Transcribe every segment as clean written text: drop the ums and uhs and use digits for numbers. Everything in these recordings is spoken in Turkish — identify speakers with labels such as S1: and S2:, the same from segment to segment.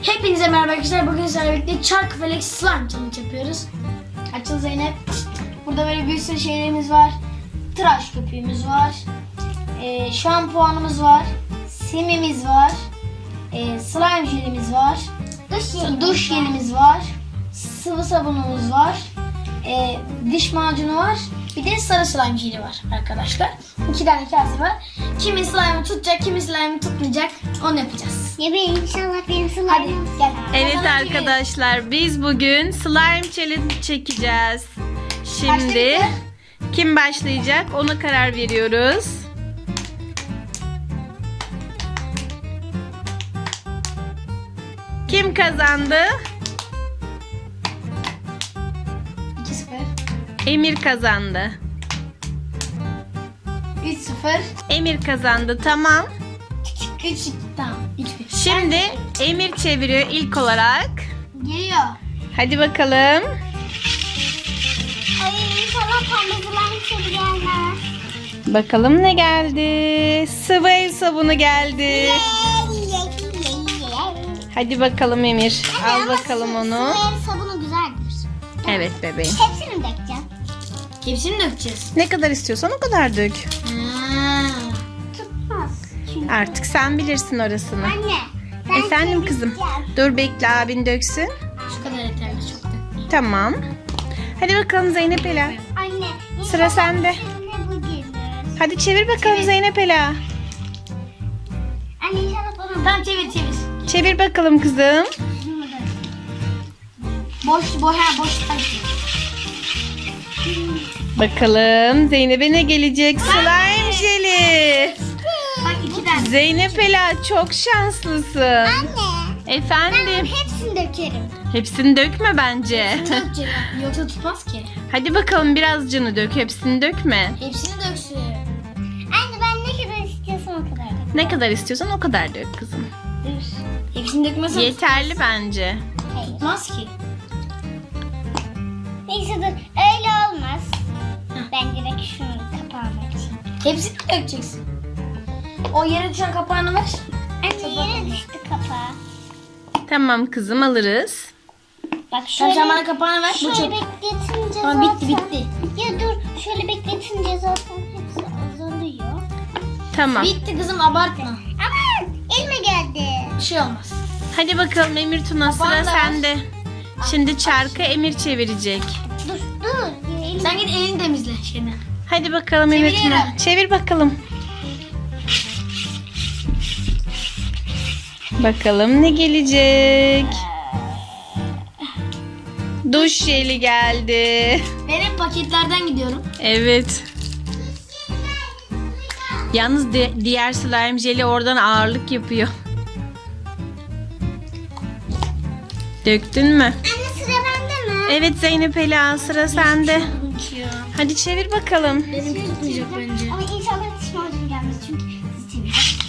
S1: Hepinize merhaba arkadaşlar. Bugün sizlerle birlikte Çarkıfelek slime challenge yapıyoruz. Açıl Zeynep. Burada böyle bir sürü şeylerimiz var. Tıraş köpüğümüz var. Şampuanımız var. Simimiz var. Slime jelimiz var. Duş jelimiz var. Sıvı sabunumuz var. Diş macunu var. Bir de sarı slime jeli var arkadaşlar. 2 tane kase var. Kimin slime'ı tutacak, kimin slime'ı tutmayacak onu yapacağız.
S2: Ya ben inşallah benim slime'ım.
S1: Hadi gel.
S3: Evet
S1: Kazanın
S3: arkadaşlar, biz bugün slime challenge çekeceğiz. Şimdi
S1: Başlayalım.
S3: kim başlayacak ona karar veriyoruz. Kim kazandı?
S1: 2-0.
S3: Emir kazandı.
S1: 3-0.
S3: Emir kazandı, tamam.
S1: 3-2. Tamam. 3-1.
S3: Şimdi Emir çeviriyor ilk olarak.
S1: Geliyor.
S3: Hadi bakalım.
S2: Ay inşallah pembe slime içeri gelmez.
S3: Bakalım ne geldi? Sıvı el sabunu geldi. Hadi bakalım Emir. Al bakalım onu.
S2: Sıvı sabunu güzeldir.
S3: Evet bebeğim.
S2: Hepsini dökeceğim.
S1: Hepsini dökeceğiz.
S3: Ne kadar istiyorsan o kadar dök.
S2: Tutmaz. Çünkü.
S3: Artık sen bilirsin orasını.
S2: Anne. ben
S3: Efendim kızım.
S2: çevireceğim.
S3: Dur bekle, abin döksün.
S1: Şu kadar yeterli, çok dökmeyin.
S3: Tamam. Hadi bakalım Zeynep Ela.
S2: Anne.
S3: Sıra
S2: inşallah
S3: sende.
S2: içine bu gelir.
S3: Hadi çevir bakalım Zeynep Ela.
S2: Anne inşallah bana
S1: Tamam, çevir.
S3: Çevir bakalım kızım.
S1: Boş.
S3: Bakalım Zeynep'e ne gelecek? Slime jeli.
S1: Bak 2 tane.
S3: Zeynep Ela çok şanslısın.
S2: Anne. Ben
S3: Efendim.
S2: hepsini dökerim.
S3: Hepsini dökme bence.
S1: Dökecek. Yoksa tutmaz ki.
S3: Hadi bakalım birazcını dök. Hepsini dökme.
S1: Hepsini döksün.
S2: Anne ben ne kadar istiyorsam o kadar dökerim.
S3: Ne kadar istiyorsan o kadar dök kızım.
S1: Hepsini dökmezsen
S3: Yeterli bence.
S2: Hayır.
S1: tutmaz ki.
S2: Neyse dur. Öyle olmaz. Ben direkt şunu kapağını açayım.
S1: Hepsini mi dökeceksin? O yere düşen kapağını ver.
S2: Anne yere düştü kapağı.
S3: Tamam kızım, alırız.
S2: Bak
S1: Sen
S2: şöyle,
S1: bana kapağını ver. Bu
S2: şöyle
S1: çok.
S2: bekletince
S1: Tamam,
S2: zaten.
S1: bitti.
S2: Ya dur şöyle bekletince zaten hepsi azalıyor.
S3: Tamam.
S1: Bitti kızım, abartma.
S2: Aman elime geldi.
S1: Bir şey olmaz.
S3: Hadi bakalım Emir Tuna, sıra
S1: Kapağını da ver.
S3: sende. Şimdi çarkı Emir çevirecek.
S2: Dur.
S1: Sen git elini temizle şeyden.
S3: Hadi bakalım Emir Tuna.
S1: Çeviriyorum.
S3: Çevir bakalım. Bakalım ne gelecek? Duş jeli geldi.
S1: Ben hep paketlerden gidiyorum.
S3: Evet. Yalnız diğer slime jeli oradan ağırlık yapıyor. Döktün mü?
S2: Anne sıra bende mi?
S3: Evet Zeynep Ela, sıra sende.
S1: Ya.
S3: Hadi çevir bakalım.
S1: Benim tutmayacak bence.
S2: Ama inşallah diş macunu gelmez çünkü siz çevirin.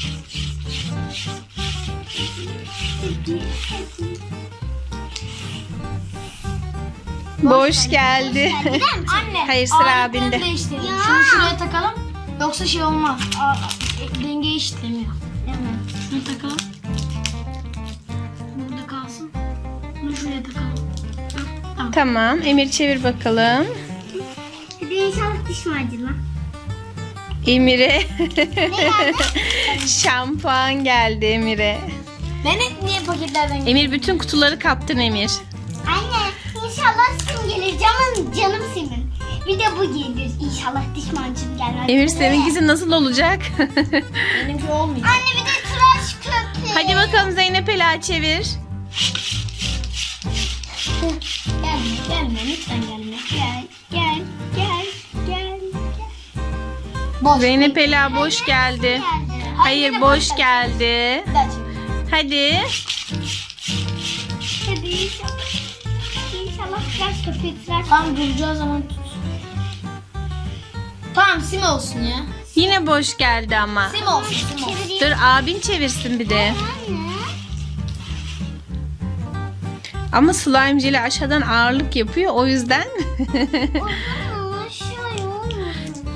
S3: Boş geldi.
S1: Anne.
S3: Hayır, sıra
S1: ağırlıkları
S3: abinde.
S1: değiştirelim.
S2: Ya.
S1: Şunu şuraya takalım. Yoksa şey olmaz. Denge işlemiyor.
S2: Evet.
S1: Şunu takalım. Burada kalsın. Bunu şuraya takalım. Tamam.
S3: Tamam, Emir çevir bakalım.
S2: Hadi inşallah diş macunu.
S3: Emir'e şampuan geldi Emir'e.
S1: Ben hep niye paketlerden gidiyorum?
S3: Emir bütün kutuları kaptın Emir.
S2: Anne inşallah sim gelir. Canım simin. Bir de bu gelir. İnşallah diş macunu gelmez.
S3: Emir seninkisi nasıl olacak?
S1: Benimki olmuyor.
S2: Anne bir de tıraş köpüğü.
S3: Hadi bakalım Zeynep Ela çevir.
S1: Gelme lütfen gelme.
S2: Gel.
S1: Boş.
S3: Zeynep Ela boş geldi. Hayır, boş geldi.
S1: Bir daha çevir.
S3: Hadi.
S2: Hadi inşallah. İnşallah tıraş köpüğü tıraş.
S1: Tam duracağı zaman tut. Tamam, sim olsun ya.
S3: Yine boş geldi ama.
S1: Sim olsun, sim olsun.
S2: Çevireyim.
S3: Dur abin çevirsin bir de.
S2: Anne.
S3: Ama slime jeli aşağıdan ağırlık yapıyor, o yüzden.
S2: Ama aşağıya olmasın.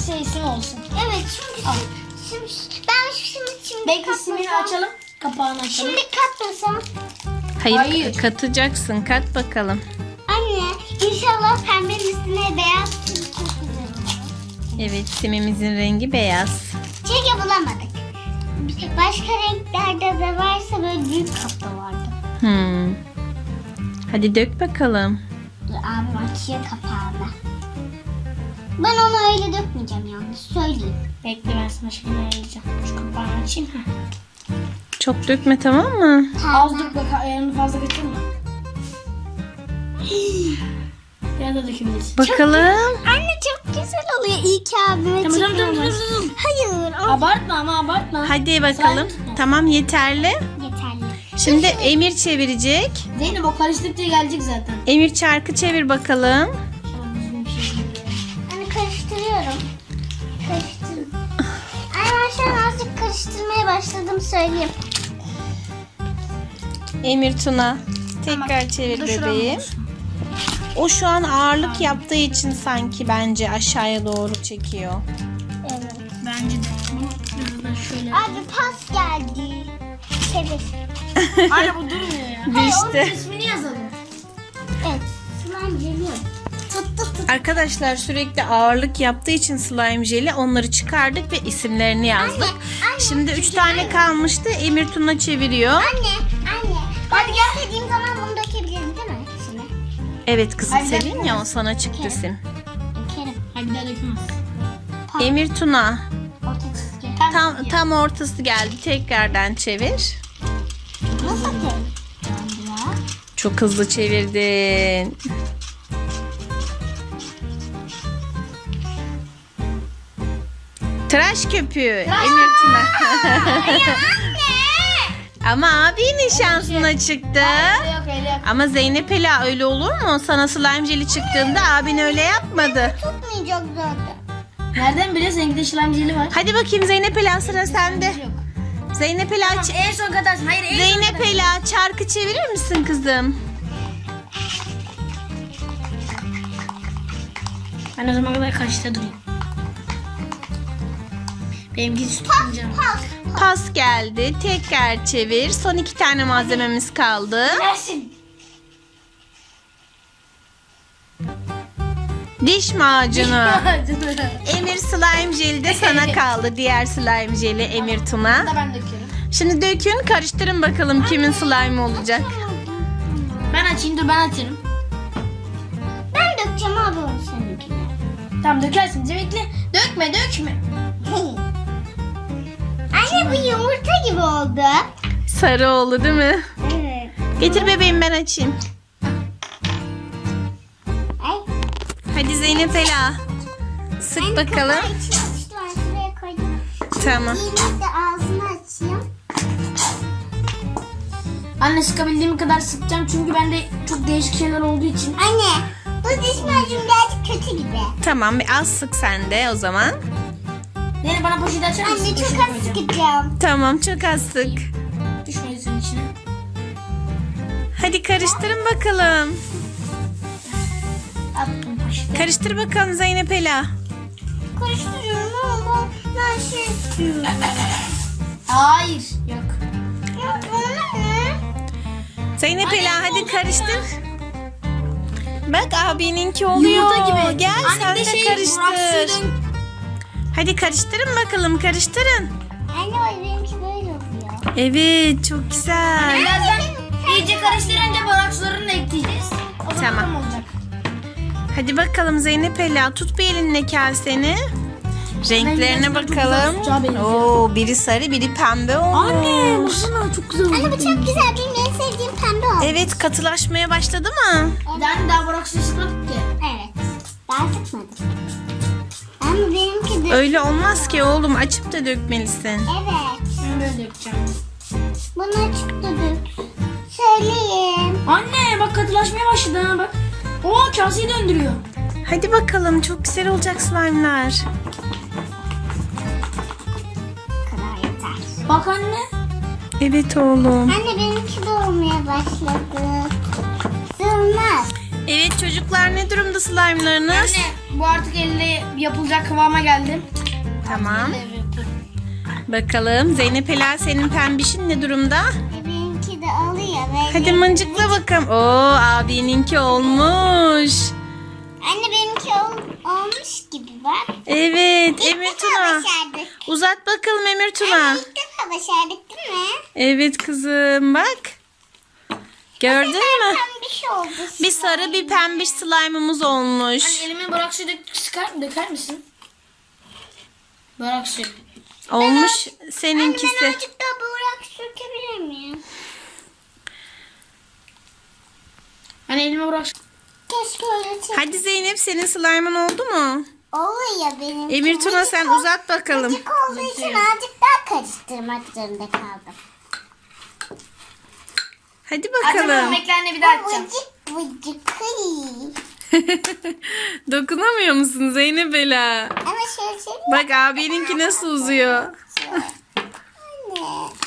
S1: şey isim olsun.
S2: Evet çünkü
S1: Al.
S2: ben şimdi
S1: Belki simini açalım. Kapağını açalım.
S2: Şimdi katmasam.
S3: Hayır,
S1: Hayır.
S3: katacaksın. Kat bakalım.
S2: Anne inşallah pembenin üstüne beyaz sim çok güzel olur.
S3: Evet, simimizin rengi beyaz.
S2: Çünkü bulamadık. Başka renklerde de varsa böyle büyük kapta vardı.
S3: Hadi dök bakalım.
S2: Dur abim açıyor kapağını. Ben onu öyle dökmeyeceğim yalnız söyleyeyim.
S1: Bekle ben sana şimdi ayarlayacağım. Şu kapağını açayım.
S3: Çok dökme, tamam mı?
S1: Az dur bak ayarını fazla kaçırma. Biraz da dökebilirsin.
S3: Bakalım.
S2: Anne çok güzel oluyor. İyi ki abime
S1: Tamam, tamam,
S2: çekiyormuş.
S1: tamam.
S2: Hayır o
S1: Abartma ama abartma.
S3: Hadi bakalım. Tamam, yeterli.
S2: yeterli.
S3: Şimdi Emir çevirecek.
S1: Zeynep o karıştıkça gelecek zaten.
S3: Emir çarkı çevir bakalım.
S1: Şöyle düzgün bir şey geliyor.
S2: Anne karıştırıyorum. Karıştır. Ay ben şu an azıcık karıştırmaya başladım söyleyeyim.
S3: Emir Tuna. Tekrar
S1: Tamam.
S3: çevir
S1: Bu da şuram
S3: bebeğim.
S1: olsun.
S3: O şu an ağırlık yaptığı için sanki bence aşağıya doğru çekiyor.
S2: Evet.
S1: Bence de. Bunu biraz da şöyle.
S2: Abi pas geldi. Çevir.
S1: Anne bu durmuyor ya.
S3: Düştü.
S1: Onun ismini yazalım.
S2: Evet. Slime geliyor. Tut tut tut.
S3: Arkadaşlar sürekli ağırlık yaptığı için slime jeli onları çıkardık ve isimlerini yazdık.
S2: Anne,
S3: Şimdi 3 tane kalmıştı. Emir Tuna çeviriyor.
S2: Anne. Hadi gel. İstediğim zaman bunu dökebilirim değil mi? Şimdi.
S3: Evet kızım,
S1: Hadi
S3: senin ya
S1: dökmez.
S3: o sana çıktı sim.
S2: Dökerim.
S1: Hadi bir daha dökmez.
S3: Emir Tuna.
S2: Orta çizgi.
S3: Tam ortası geldi. Tekrardan çevir.
S2: Nasıl atayım? Ya.
S3: Çok hızlı çevirdin. Tıraş köpüğü. Emir Tuna. Ama abinin şansına çıktı.
S1: Öyle yok öyle yok.
S3: Ama Zeynep Ela öyle olur mu? Sana slime jeli çıktığında abin öyle yapmadı.
S2: Tutmayacak zaten.
S1: Nereden biliyorsun? Seninki de slime jeli var.
S3: Hadi bakayım Zeynep Ela, sıra sende.
S1: Yok.
S3: Zeynep Ela,
S1: En son katarsın. Hayır en son
S3: Zeynep
S1: katarsın.
S3: Ela çarkı çevirir misin kızım?
S1: Ben o zaman kadar kaçta durayım. Benimki tutmayacağım.
S2: Pas.
S3: Pas geldi. Tekrar çevir. Son 2 tane malzememiz kaldı.
S1: Gelsin.
S3: Diş macunu. Emir slime jeli de sana kaldı. Diğer slime jeli Emir Tuna.
S1: Da ben döküyorum.
S3: Şimdi dökün, karıştırın bakalım kimin slime olacak.
S1: Ben açayım dur ben açarım.
S2: Ben dökeceğim abi onu seninkine.
S1: Tamam dökersin. Bekle. Dökme dökme.
S2: Anne bu yumurta gibi oldu.
S3: Sarı oldu değil mi?
S2: Evet.
S3: Getir bebeğim, ben açayım.
S2: Ay.
S3: Hadi Zeynep Ela. Sık bakalım.
S2: Kapağı içine açtı, ben şuraya koydum.
S3: Tamam.
S2: Yine de ağzını açayım.
S1: Anne sıkabildiğim kadar sıkacağım çünkü bende çok değişik şeyler olduğu için.
S2: Anne bu diş macunu birazcık kötü gibi.
S3: Tamam, bir az sık sen de o zaman.
S1: Nene bana poşeti açar mısın?
S2: Anne çok
S1: Poşeti
S2: az
S1: koyacağım.
S2: sıkacağım.
S3: Tamam, çok az sık.
S1: Düşmesin içine.
S3: Hadi karıştırın bakalım.
S1: Attım poşeti.
S3: Karıştır bakalım Zeynep Ela.
S2: Karıştırıyorum ama ben şey istiyorum.
S1: Hayır. Yok.
S2: Ya bana ne?
S3: Zeynep
S1: Anne,
S3: Ela hadi
S1: oldu
S3: karıştır. Bak abininki oluyor.
S1: Yumurta gibi.
S3: Gel
S1: Anne
S3: sen
S1: bir
S3: de
S1: şey,
S3: karıştır.
S1: bıraksın.
S3: Hadi karıştırın bakalım, karıştırın.
S2: Anne o benimki böyle oluyor.
S3: Evet, çok güzel.
S1: Birazdan iyice karıştırınca borakslarını da ekleyeceğiz. O zaman
S3: Tamam.
S1: tam olacak.
S3: Hadi bakalım Zeynep Ela, tut bir elinle kaseni. Renklerine
S1: gerçekten çok güzel
S3: bakalım.
S1: tutacağı benziyor.
S3: Oo, biri sarı, biri pembe olmuş.
S1: baksana çok güzel oldu.
S2: Anne bu çok güzel. Benim en sevdiğim pembe oldu.
S3: Evet, katılaşmaya başladı mı?
S1: Yani daha boraksı sıkmadık ki.
S2: Evet. Daha sıkmadım. Ama benimki de...
S3: Öyle olmaz ki oğlum, açıp da dökmelisin.
S2: Evet.
S1: Ben böyle yapacağım.
S2: Bunu açıp da dök. Söyleyeyim.
S1: Anne bak katılaşmaya başladı ha bak. Oo kaseyi döndürüyor.
S3: Hadi bakalım, çok güzel olacak slime'lar.
S2: Bu kadar yeter.
S1: Bak anne.
S3: Evet oğlum.
S2: Anne benimki de olmaya başladı. Sığmaz.
S3: Evet çocuklar, ne durumda slime'larınız?
S1: Anne Bu artık elle yapılacak kıvama geldi.
S3: Tamam. Bakalım Zeynep Ela senin pembişin ne durumda?
S2: Benimki de oluyor. Böyle.
S3: Hadi mıncıkla bakalım. Oo abininki olmuş.
S2: Anne benimki olmuş gibi bak.
S3: Evet
S2: İlk
S3: Emir
S2: defa
S3: Tuna.
S2: başardık.
S3: Uzat bakalım Emir Tuna.
S2: Anne ilk defa başardık değil mi?
S3: Evet kızım bak. Gördün mü?
S2: Pembiş oldu.
S3: Bir sarı bir pembiş slime'ımız olmuş.
S1: Hani elime borak suyu döker misin? Borak suyu.
S3: Olmuş
S2: Ben
S3: seninkisi.
S2: azıcık daha borak sökebilir miyim?
S1: Hani elime borak suyu.
S2: Keşke öyle çek.
S3: Hadi Zeynep senin slime'ın oldu mu?
S2: Oluyor benim.
S3: Emir Tuna sen uzat bakalım.
S2: Vıcık olduğu için azıcık daha karıştırmak zorunda kaldım.
S3: Hadi
S1: Açamam,
S3: bakalım.
S1: beklerini bir daha açacağım.
S2: Vıcık.
S3: Dokunamıyor musun Zeynep Ela?
S2: Ama şöyle şey.
S3: Bak abininki nasıl uzuyor.
S2: Anne.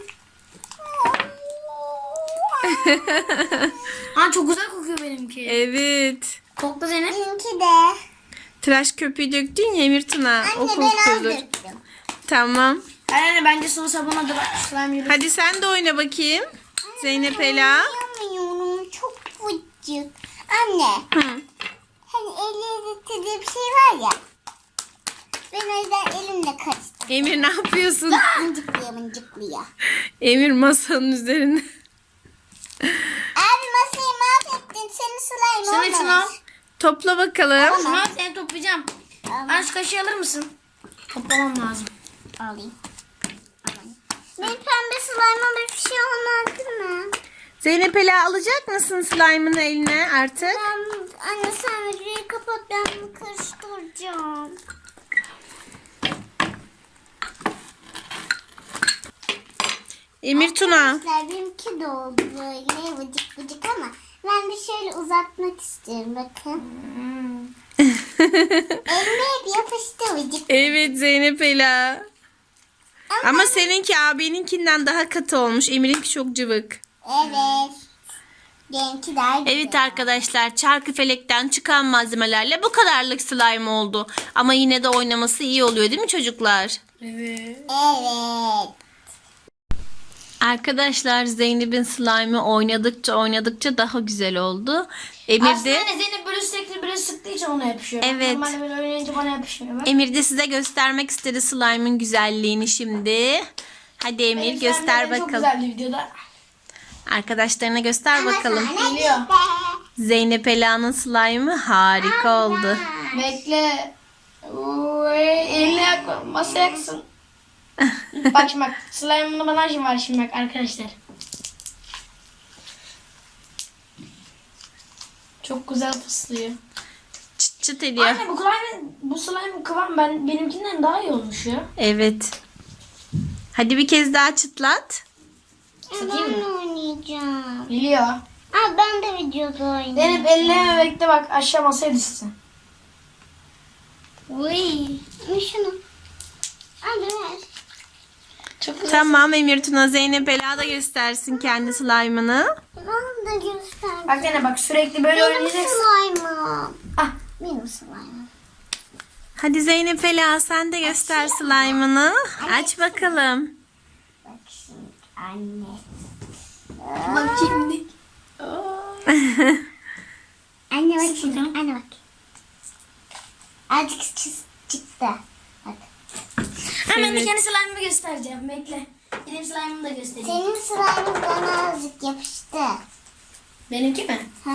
S1: Ha çok güzel kokuyor benimki.
S3: Evet.
S1: Kokla Zeynep.
S2: Benimki de.
S3: Tıraş köpüğü döktün ya Emir Tuna. O
S2: Anne ben az
S3: kokuyordur.
S2: döktüm.
S3: Tamam.
S1: Anne bence sıvı sabuna da slime yürü.
S3: Hadi sen de oyna bakayım. Zeynep Ela.
S2: Yapamıyorum. Çok vıcık. Anne.
S3: Hı.
S2: Hani elle dediği bir şey var ya. Ben o yüzden elimle karıştırdım.
S3: Emir ne yapıyorsun?
S2: Mıncıklıyor.
S3: Emir masanın üzerinde.
S2: Abi masayı mahvettin. Senin slime
S1: Sen hepsini al.
S2: olmamış.
S3: Topla bakalım.
S1: Şunu al seni toplayacağım. Anne şu kaşığı alır mısın? Toplamam lazım.
S2: Alayım. Benim pembe slime'ıma bir şey olmaz değil mi?
S3: Zeynep Ela alacak mısın slime'ını eline artık?
S2: Anne sen videoyu kapat, ben bunu karıştıracağım.
S3: Emir Tuna.
S2: Arkadaşlar benimki de oldu böyle vıcık vıcık ama ben bir şöyle uzatmak istiyorum bakın. Elime hep yapıştı vıcık.
S3: Evet Zeynep Ela. Ama seninki abininkinden daha katı olmuş. Emir'inki çok cıvık.
S2: Evet. Benimki daha güzel.
S3: Evet arkadaşlar Çarkıfelek'ten çıkan malzemelerle bu kadarlık slime oldu. Ama yine de oynaması iyi oluyor değil mi çocuklar?
S1: Evet.
S2: Evet.
S3: Arkadaşlar Zeynep'in slime'ı oynadıkça daha güzel oldu. Emir
S1: Aslında
S3: de,
S1: anne Zeynep böyle sürekli böyle sıktığı için ona yapışıyor.
S3: Evet.
S1: Normalde böyle oynayınca bana yapışmıyor. Bak.
S3: Emir de size göstermek istedi slime'ın güzelliğini şimdi. Hadi Emir
S1: Benim
S3: göster
S1: slime'lerim
S3: bakalım.
S1: Çok güzeldi videoda.
S3: Arkadaşlarına göster bakalım.
S1: Geliyor.
S3: Zeynep Ela'nın slime'ı harika oldu.
S1: Bekle. Oy, eline yakma. Masaya yaksın. Bak şimdi bak. Slime'ın bana şimdi var şimdi bak arkadaşlar. Çok güzel fıslıyor.
S3: Çıt çıt ediyor.
S1: Anne bu slime kıvam benimkinden daha iyi olmuş ya.
S3: Evet. Hadi bir kez daha çıtlat.
S1: Satayım
S2: Ben
S1: mı?
S2: oynayacağım.
S1: Geliyor.
S2: Aa, ben de videoda oynayacağım.
S1: Zeynep eline bekle bak aşağı masaya düşsün.
S2: Uy. Şunu. Hadi ver.
S1: Çok güzel.
S3: Tamam Emir Tuna Zeynep Ela da göstersin kendi slime'ını.
S2: Ben de göster.
S1: Bak Zeynep bak sürekli böyle
S2: Benim
S1: oynayacaksın.
S2: slime'ım.
S1: Ah.
S2: Benim slime'ım.
S3: Hadi Zeynep Ela sen de göster slime'ını. Aç bakalım.
S2: Bak şimdi anne.
S1: Bak şimdi.
S2: Anne bak şimdi. Anne bak. Azıcık çıktı. Bak.
S1: Hemen de
S3: Evet.
S1: kendi slime'ımı göstereceğim. Bekle. Benim slime'ımı da göstereyim.
S2: Senin slime'ın bana azıcık yapıştı.
S1: Benimki mi?
S2: Ha?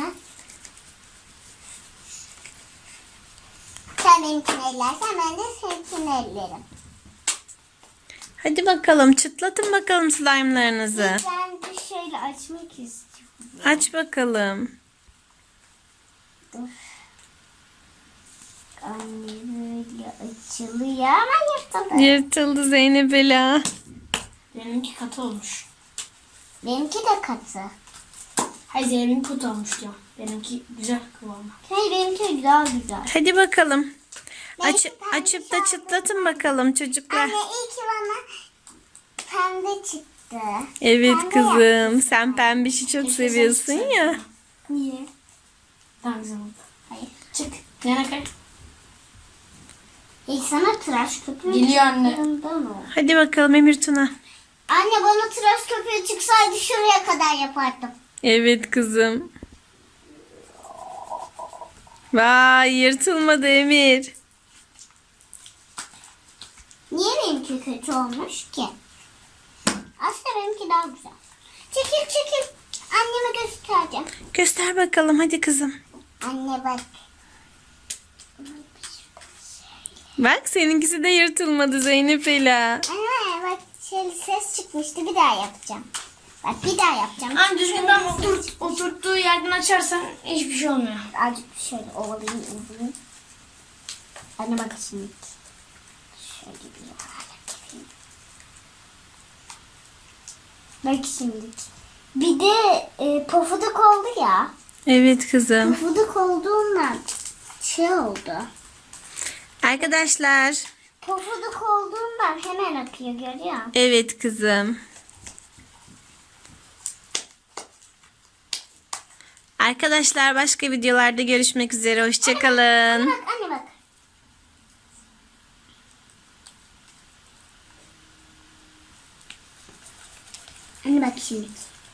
S2: Sen benimkini ellersen ben de seninkini ellerim.
S3: Hadi bakalım çıtlatın bakalım slime'larınızı.
S2: Ben de şöyle açmak istiyorum.
S3: Aç bakalım.
S2: Anne böyle açılıyor ama yırtıldı.
S3: Yırtıldı Zeynep Ela.
S1: Benimki katı olmuş.
S2: Benimki de katı.
S1: Hayır Zeynep'in katı olmuş diyor. Benimki güzel kıvamı.
S2: Hayır benimki daha güzel.
S3: Hadi bakalım.
S2: Belki
S3: Açıp da
S2: pembe
S3: çıtlatın bakalım çocuklar.
S2: Anne iyi ki bana pembe çıktı.
S3: Evet
S2: Pembe
S3: kızım. Sen pembişi çok
S1: Keşke
S3: seviyorsun
S1: sen
S3: ya.
S2: Niye?
S1: Daha güzel oldu.
S2: Hayır.
S1: Çık. Yana kay.
S2: Sana tıraş köpüğü
S1: Geliyor anne.
S2: çıktığından o.
S3: Hadi bakalım Emir Tuna.
S2: Anne bana tıraş köpüğü çıksaydı şuraya kadar yapardım.
S3: Evet kızım. Vay, yırtılmadı Emir.
S2: Niye benimki kötü olmuş ki? Aslında benimki daha güzel. Çekil çekil. Anneme göstereceğim.
S3: Göster bakalım hadi kızım.
S2: Anne bak.
S3: Bak seninkisi de yırtılmadı Zeynep Ela.
S2: Anne bak şöyle ses çıkmıştı. Bir daha yapacağım. Bak bir daha yapacağım.
S1: Anne düzgünden oturttuğu yerden açarsan hiçbir şey olmuyor.
S2: Azıcık şöyle ovalayayım. Anne bak şimdi. Şöyle bir yapayım. Bak şimdi. Bir de pofuduk oldu ya.
S3: Evet kızım.
S2: Pofuduk olduğundan şey oldu.
S3: Arkadaşlar.
S2: Pofuduk olduğundan hemen akıyor görüyor musun?
S3: Evet kızım. Arkadaşlar başka videolarda görüşmek üzere. Hoşçakalın.
S2: Bak anne bak. Anne bak şimdi.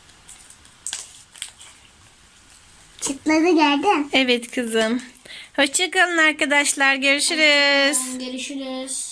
S2: Çıtladı gördün.
S3: Evet kızım. Hoşçakalın arkadaşlar. Görüşürüz.
S1: Görüşürüz.